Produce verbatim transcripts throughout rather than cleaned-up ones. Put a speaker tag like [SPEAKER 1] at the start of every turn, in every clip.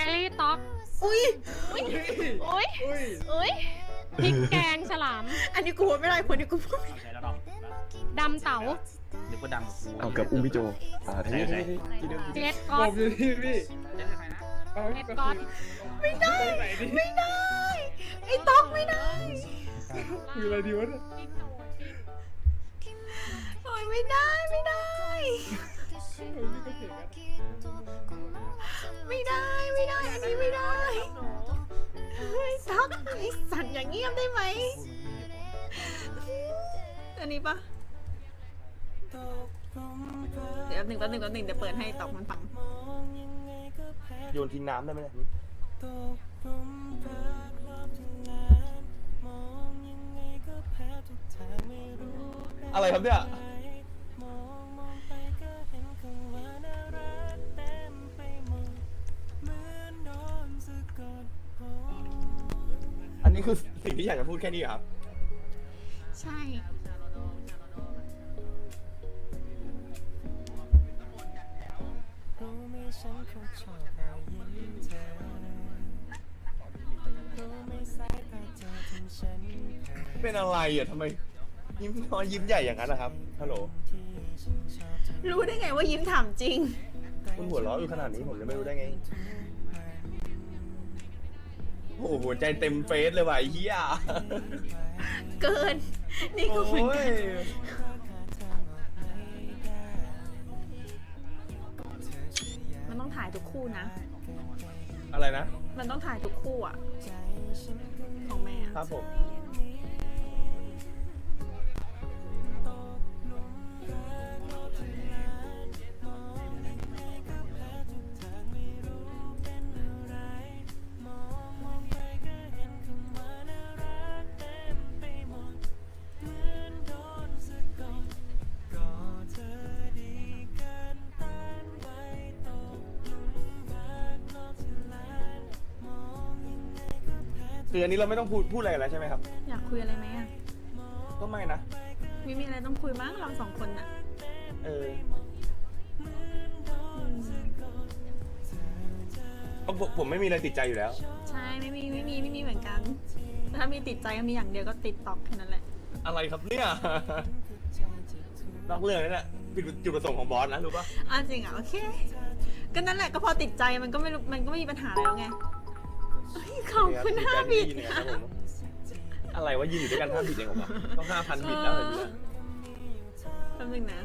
[SPEAKER 1] รี่ต๊อก
[SPEAKER 2] อุ้ย
[SPEAKER 1] อุ้ยอุ้ยอุ้ยพริกแกงฉลาม
[SPEAKER 2] อันนี้กูพูดไม่ได้คนนี้กูพูดไม่ได้
[SPEAKER 3] ใช่แล้วดอก
[SPEAKER 1] ดำเต๋า
[SPEAKER 3] นึกว่าดำกับกู
[SPEAKER 4] เอาเกือบอุ้มพี่โจอ่าที่นี่ที่เดิม
[SPEAKER 1] เจ็ดก๊อต
[SPEAKER 5] อยู่ที่พี่
[SPEAKER 3] เล่นกับใครนะ
[SPEAKER 1] เจ็ดก๊อต
[SPEAKER 2] ไม่ได้ไม่ได้ไอ้ต๊อกไม่ได้
[SPEAKER 5] มีอะไรดีวะเนี่ย
[SPEAKER 2] โอ้ยไม่ได้ไม่ได้ ไม่ได้ไม่ได้อันนี้ไม่ได้ไอ้ต๊อกไอ้สัตว์อย่างเงียบได้ไหมอันนี้ปะเดี๋ยวแป๊บหนึ่งแป๊บหนึ่งแป๊บหนึ่งเดี๋ยวเปิดให้ต๊อกมันฟัง
[SPEAKER 4] โยนทิ้งน้ำได้ไหมเนี่ย อะไรครับเนี่ยอันนี้คือสิ่งที่อยากจะพูดแค่นี้เหรอครับ
[SPEAKER 2] ใช่
[SPEAKER 4] เป็นอะไรอ่ะทำไมยิ้มน้อยยิ้มใหญ่อย่างนั้นนะครับฮัลโหล
[SPEAKER 2] รู้ได้ไงว่ายิ้มถามจริง
[SPEAKER 4] คุณหัวเราะอยู่ขนาดนี้ผมจะไม่รู้ได้ไงโอ้โหหัวใจเต็มเฟซเลยว่ะไอ้เหี้ย
[SPEAKER 2] เกิน นี่ก็เหมือน
[SPEAKER 4] โอ้
[SPEAKER 2] กั
[SPEAKER 4] ย
[SPEAKER 2] นมันต้องถ่ายทุกคู่นะ
[SPEAKER 4] อะไรนะ
[SPEAKER 2] มันต้องถ่ายทุกคู่อ่ะ ของแม่อะ
[SPEAKER 4] ครับผมคืออันนี้เราไม่ต้องพูดพูดอะไรกันแล้วใช่ไหมครับ
[SPEAKER 2] อยากคุยอะไรไหมอ่ะ
[SPEAKER 4] ก็ไม่นะ
[SPEAKER 2] ไม่มีอะไรต้องคุยมั้งเราสองคนน่ะ
[SPEAKER 4] เออ
[SPEAKER 2] อืม
[SPEAKER 4] เอาผมผมไม่มีอะไรติดใจอยู่แล้ว
[SPEAKER 2] ใช่ไม่มีไม่มีไม่มีเหมือนกันถ้ามีติดใจก็มีอย่างเดียวก็ติดตอกแค่นั้นแหละ
[SPEAKER 4] อะไรครับเนี่ย นอกเรื่องนี่แหละผิดจุดประสงค์ของบอสนะรู้ปะ
[SPEAKER 2] อ่ะจริงอ่ะโอเค ก็นั่นแหละก็พอติดใจมันก็ไม่รู้มันก็ไม่มีปัญหาแล้วไงเฮ้ยขอบคุณห้าบิต
[SPEAKER 4] เนี่ยครับผมอะไรวะยืนอยู่ด้วยกันห้าบิตเองเหรอวะต้องห้าพันบิตแล้วเหรอเนี่ย
[SPEAKER 2] แป๊บนึงนะ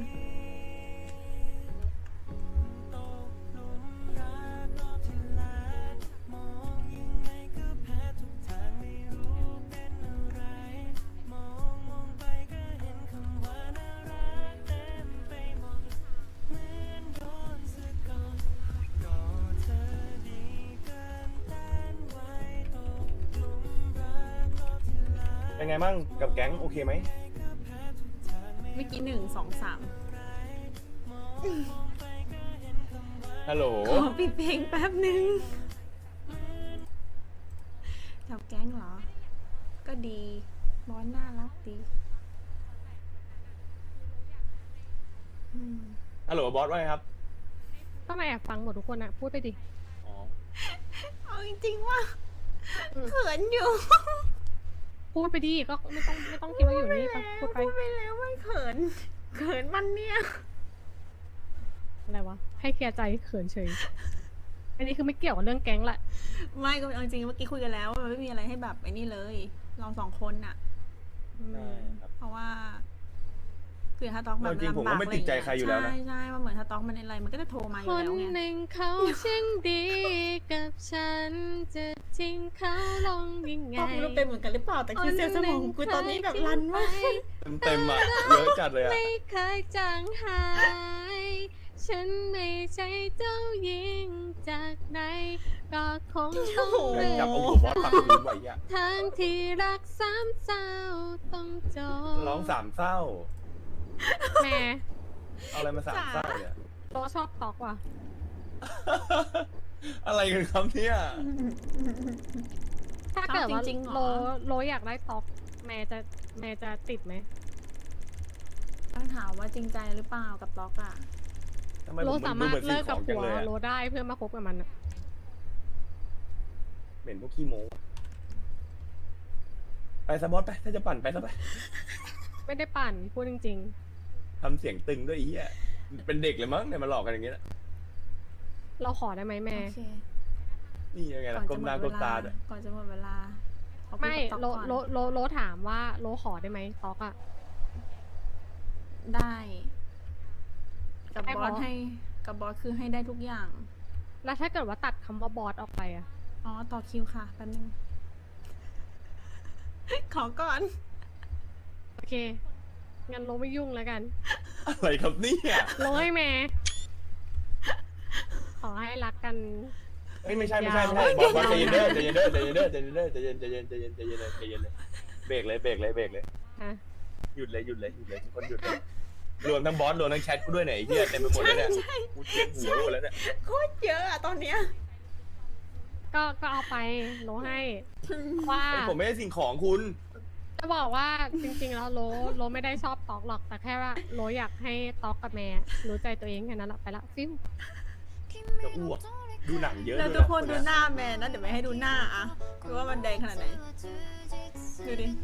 [SPEAKER 4] เป็นไงมั่งกับแก๊งโอเคไหม
[SPEAKER 2] เมื่อกี้หนึ่งสองสาม
[SPEAKER 4] ฮัลโหล
[SPEAKER 2] ขอปิดเพลงแป๊บนึงจับแก๊งเหรอ ก็ดีบอสน่ารักดีอืม
[SPEAKER 4] ฮัลโหลบอสว่าไงครับ
[SPEAKER 1] ก็มาแอบฟังหมดทุกคนอะพูดไปดิ
[SPEAKER 4] อ๋อ
[SPEAKER 2] เอาจริงๆว่าเขินอยู่
[SPEAKER 1] พูดไปดิก็ไม่ต้องไม่ต้องคิดว่าอยู่นี่ไปพูดไป
[SPEAKER 2] พูดไปแล้วว่าเขินเขินมันเนี่ย
[SPEAKER 1] อะไรวะให้เคลียร์ใจเขินเฉยอันนี้คือไม่เกี่ยวกับเรื่องแก๊งละ
[SPEAKER 2] ไม่ก็เอาจริงๆเมื่อกี้คุยกันแล้วมันไม่มีอะไรให้แบบไอ้นี่เลยเราสองคนน่ะอืม
[SPEAKER 4] ใช่ครับ
[SPEAKER 2] เพราะว่าคือถ้าต๊อกแบบ
[SPEAKER 4] จริงๆผมก็ไม่ติดใจใครอยู่แล้วนะ
[SPEAKER 2] ใช่ใช่มันเหมือนถ้าต๊อกมันอะไรมันก็จะโทรมาอ
[SPEAKER 1] ค
[SPEAKER 2] ยู่
[SPEAKER 1] น
[SPEAKER 2] แล้วไง
[SPEAKER 1] หนึ่งเขาช่างดีกับฉันจะทิ้งเขาลงยังไง
[SPEAKER 2] ต๊อกไม่รู้เป็นเหมือนกันหรือเปล่าแต่คือเซลล์สมองกูตอนนี้แบบรันมาก
[SPEAKER 4] เต็มเต็มๆอ่ะเยอะจัดเลยอ่ะ
[SPEAKER 1] ไม่เคยจางหาย ฉันไม่ใช่เจ้าหญิงจากไหนก็คงต้อง
[SPEAKER 4] แม่ง
[SPEAKER 1] เลื
[SPEAKER 4] จั
[SPEAKER 1] อบ ก
[SPEAKER 4] เอาหัวบอสปักมือไว้อ่ะ
[SPEAKER 1] ทางที่รักสามเศร้าต้องจบ
[SPEAKER 4] ร้องสามเศร้า
[SPEAKER 1] แม่
[SPEAKER 4] เอาอะไรมาสามเศร้าเนี่ย
[SPEAKER 1] โตชอบตอกว่ะ
[SPEAKER 4] อะไรกันครับเนี่ย
[SPEAKER 1] ถ้าเกิดว่า
[SPEAKER 2] จริงๆเหรอ
[SPEAKER 1] โลโลอยากได้ตอกแม่จะแม่จะติดไหม
[SPEAKER 2] ต้องถามว่าจริงใจหรือเปล่ากับต๊อกอ่ะ
[SPEAKER 4] ทำไม
[SPEAKER 1] โล
[SPEAKER 4] ผม
[SPEAKER 1] สา
[SPEAKER 4] มันดู
[SPEAKER 1] มารถ
[SPEAKER 4] เหมือนสิ่
[SPEAKER 1] เลิ
[SPEAKER 4] ง
[SPEAKER 1] ก
[SPEAKER 4] ข
[SPEAKER 1] กับ
[SPEAKER 4] องจั
[SPEAKER 1] ผั
[SPEAKER 4] ง
[SPEAKER 1] ว
[SPEAKER 4] เลยอะ
[SPEAKER 1] โลได้เพื่อมาคบกับมันอะ
[SPEAKER 4] เหม็นพวกขี้โม้ไปสบอสไปถ้าจะปั่นไปซะไป
[SPEAKER 1] ไม่ได้ปั่นพูดจริง
[SPEAKER 4] ทำเสียงตึงด้วยไอ้เหี้ยเป็นเด็กเลยมั้งเนี่ยมาหลอกกันอย่างเงี้ย
[SPEAKER 1] ๆ เราขอได้ไหมแม่
[SPEAKER 2] โอเค
[SPEAKER 4] นี่ยังไง
[SPEAKER 2] ก่
[SPEAKER 4] ล่ะ
[SPEAKER 2] อน
[SPEAKER 4] ก้
[SPEAKER 2] จะ
[SPEAKER 4] ม
[SPEAKER 2] หม
[SPEAKER 4] หน้า
[SPEAKER 2] ด
[SPEAKER 4] ก้
[SPEAKER 2] เว
[SPEAKER 4] ม
[SPEAKER 2] ลา
[SPEAKER 4] ตาด้วย
[SPEAKER 2] ก่อนจะหมดเวลาขอพูด
[SPEAKER 1] ไม่
[SPEAKER 2] กับ
[SPEAKER 1] โล
[SPEAKER 2] ต๊อกก่อน
[SPEAKER 1] โลโลโลถามว่าโลขอได้ไหมต๊อกอะ
[SPEAKER 2] ได้ กับ
[SPEAKER 1] ได้
[SPEAKER 2] บ
[SPEAKER 1] เพ
[SPEAKER 2] อ
[SPEAKER 1] ราะ
[SPEAKER 2] สให้กับบอสคือให้ได้ทุกอย่าง
[SPEAKER 1] แล้วถ้าเกิดว่าตัดคำว่าบอสออกไปอะ
[SPEAKER 2] อ๋อ ต่อคิวค่ะแป๊บนึง ขอก่อน
[SPEAKER 1] โอเคงั้นโลไม่ยุ่งแล้วกัน
[SPEAKER 4] อะไรครับเนี่ย
[SPEAKER 1] โลให้แม่ขอให้รักกัน
[SPEAKER 4] เอ้ยไม่ใช่ไม่ใช่ไม่ใช่บอสบอสใจเย็นเด้อใจเย็นเด้อใจเย็นเด้อใจเย็นเด้อใจเย็นใจเย็นใจเย็นใจเย็นเลยใจเย็นเลยเบรกเลยเบรกเลยเบรกเลย
[SPEAKER 1] ฮะ
[SPEAKER 4] หยุดเลยหยุดเลยหยุดเลยทุกคนหยุดเลยรวมทั้งบอสรวมทั้งแชทกูด้วยเนี่ยไอ้เหี้ยเต็มไปหมดเลยเนี่ย
[SPEAKER 2] ใช่
[SPEAKER 4] กูเจียนหัวหมดแล้วเนี่ย
[SPEAKER 2] โคตรเยอะอะตอนเนี้ย
[SPEAKER 1] ก็ก็เอาไปโลให้ว่า
[SPEAKER 4] ไอ้ผมไม่ได้สิ่งของคุณ
[SPEAKER 1] จะบอกว่าจริงๆแล้วโลโลไม่ได้ชอบตอกหรอกแต่แค่ว่าโลอยากให้ตอกกับแม่รู้ใจตัวเองแค่นั้นแหละไปละฟิว
[SPEAKER 4] จะอ้วกดูหนังเยอะ
[SPEAKER 2] แล้ว
[SPEAKER 4] ด้วย
[SPEAKER 2] ทุกคน
[SPEAKER 4] ะ
[SPEAKER 2] ดูหน้าแมนนะ เดี๋ยวไม่ให้ดูหน้าอะดูว่ามันแดงขนาดไหน ดูดิ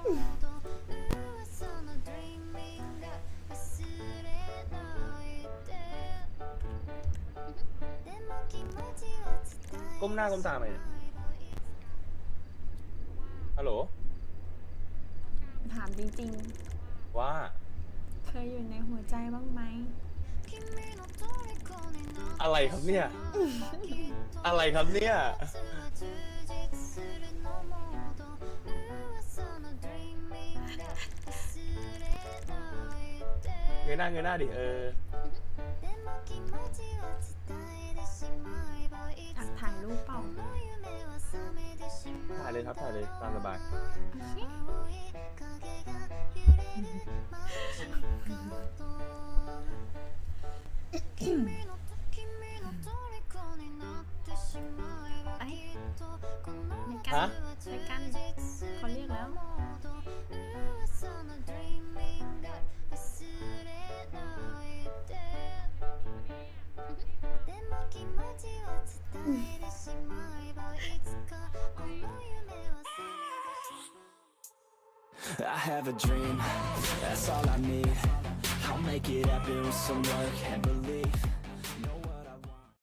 [SPEAKER 4] ก้มหน้าก้มตาไหมเนี่ยฮัลโหล
[SPEAKER 2] ถามจริง
[SPEAKER 4] ว่า
[SPEAKER 2] ๆ เคยอยู่ในหัวใจบ้างไหม
[SPEAKER 4] อะไรครับเนี่ย อะไรครับเนี่ย เงยหน้าเงยหน้าดิเออ
[SPEAKER 2] อยากถ่ายรูปเปล่า
[SPEAKER 4] ถ่ายเลยครับถ่ายเลยตามสบาย
[SPEAKER 2] ในกัน
[SPEAKER 4] ฮะ
[SPEAKER 2] ในกันเขาเรียกแล้ว
[SPEAKER 3] I have a dream, that's all I need. I'll make it happen with some work and believe